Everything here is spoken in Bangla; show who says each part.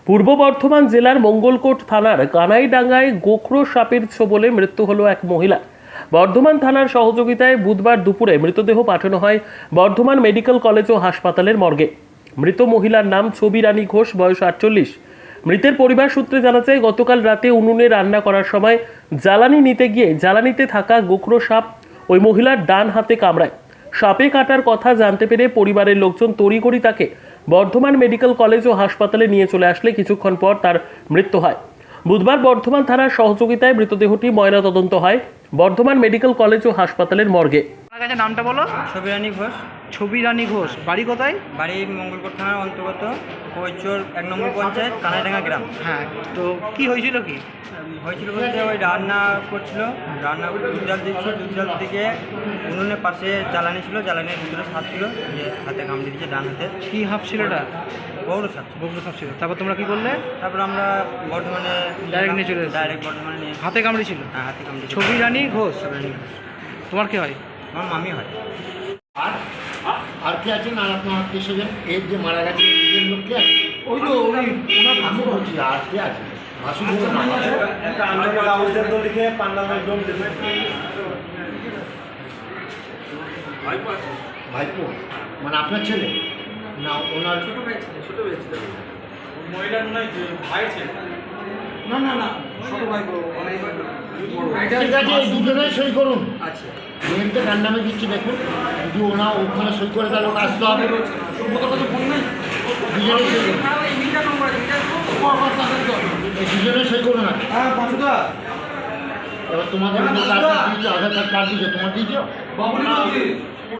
Speaker 1: পূর্ব বর্ধমান জেলার মঙ্গলকোট থানার কানাইডাঙ্গায় গোখরো সাপের ছোবলে মৃত্যু হলো এক মহিলা। বর্ধমান থানার সহযোগিতায় বুধবার দুপুরে মৃতদেহ পাঠানো হয় বর্ধমান মেডিকেল কলেজ ও হাসপাতালের মর্গে। মৃত মহিলার নাম ছবি রানী ঘোষ, বয়স 48। মৃতের পরিবার সূত্রে জানা যায়, গতকাল রাতে উনুনে রান্না করার সময় জ্বালানি নিতে গিয়ে জ্বালানিতে থাকা গোখরো সাপ ওই মহিলার ডান হাতে কামড়ায়। সাপে কাটার কথা জানতে পেরে পরিবারের লোকজন তড়িঘড়ি তাকে বর্ধমান মেডিকেল কলেজ ও হাসপাতালে নিয়ে চলে আসলে কিছুক্ষণ পর তার মৃত্যু হয়। বুধবার বর্ধমান থানার সহযোগিতায় মৃতদেহটি ময়নাতদন্ত হয় বর্ধমান মেডিকেল কলেজ ও হাসপাতালের মর্গে।
Speaker 2: আপনার কাছে নামটা বলো।
Speaker 3: ছবি রানী ঘোষ।
Speaker 2: ছবি রানী ঘোষ, বাড়ি কোথায়?
Speaker 3: বাড়ি মঙ্গলকোট থানার অন্তর্গত কৈচর 1 নম্বর পঞ্চায়েত, কানাইডাঙ্গা গ্রাম।
Speaker 2: হ্যাঁ, তো কি হয়েছিল? কি
Speaker 3: হয়েছিল বলতে ওই রান্না করছিল, রান্না দুধ জাল দিচ্ছিল, দুধ জাল থেকে উনুনের পাশে জ্বালানি ছিল, জ্বালানির ভিতরে সাপ ছিল, যে হাতে কামড়ে দিয়েছে ডান হাতে।
Speaker 2: কি হাফ ছিল এটা?
Speaker 3: বড় সাপ।
Speaker 2: বগুড়া সাপ ছিল। তারপর তোমরা কি করলে?
Speaker 3: তারপর আমরা বর্ধমানে
Speaker 2: Direct নিয়ে চলে এসেছি।
Speaker 3: ডাইরেক্ট বর্ধমানে নিয়ে
Speaker 2: হাতে কামড়েছিল?
Speaker 3: হ্যাঁ, হাতে কামড়ে।
Speaker 2: ছবি রানী ঘোষ।
Speaker 3: ছবি রানী ঘোষ
Speaker 2: তোমার কি হয়?
Speaker 3: আমার মামি হয়।
Speaker 4: আর কে আছেন? আর আপনার আত্মীয় স্বজন এর যে মারা গেছে এর লোক কে আছে? ওই তো ওনার ভাসুর বলছি। আর কে আছে? ভাসুর
Speaker 5: একটা আন্দোলন কাগজের তো লিখে পান্ডালের একদম
Speaker 4: ভাইপো মানে আপনার ছেলে না ওনার
Speaker 5: ছোট ভাই ছিল মহিলার মনে হয় ভাই ছিল।
Speaker 4: না না না ছোট ভাই ঠিক আছে, এই দুজনে সই করুন।
Speaker 3: আচ্ছা,
Speaker 4: মেয়েতে কার নামে দিচ্ছি দেখুন, যদি ওনা ওখানে সই করে তাহলে ওকে আসতে হবে। দুজনে সই করুন, দুজনে সই করুন না। এবার তোমাদের আধার কার্ড দিয়েছো, তোমার দিয়েছো?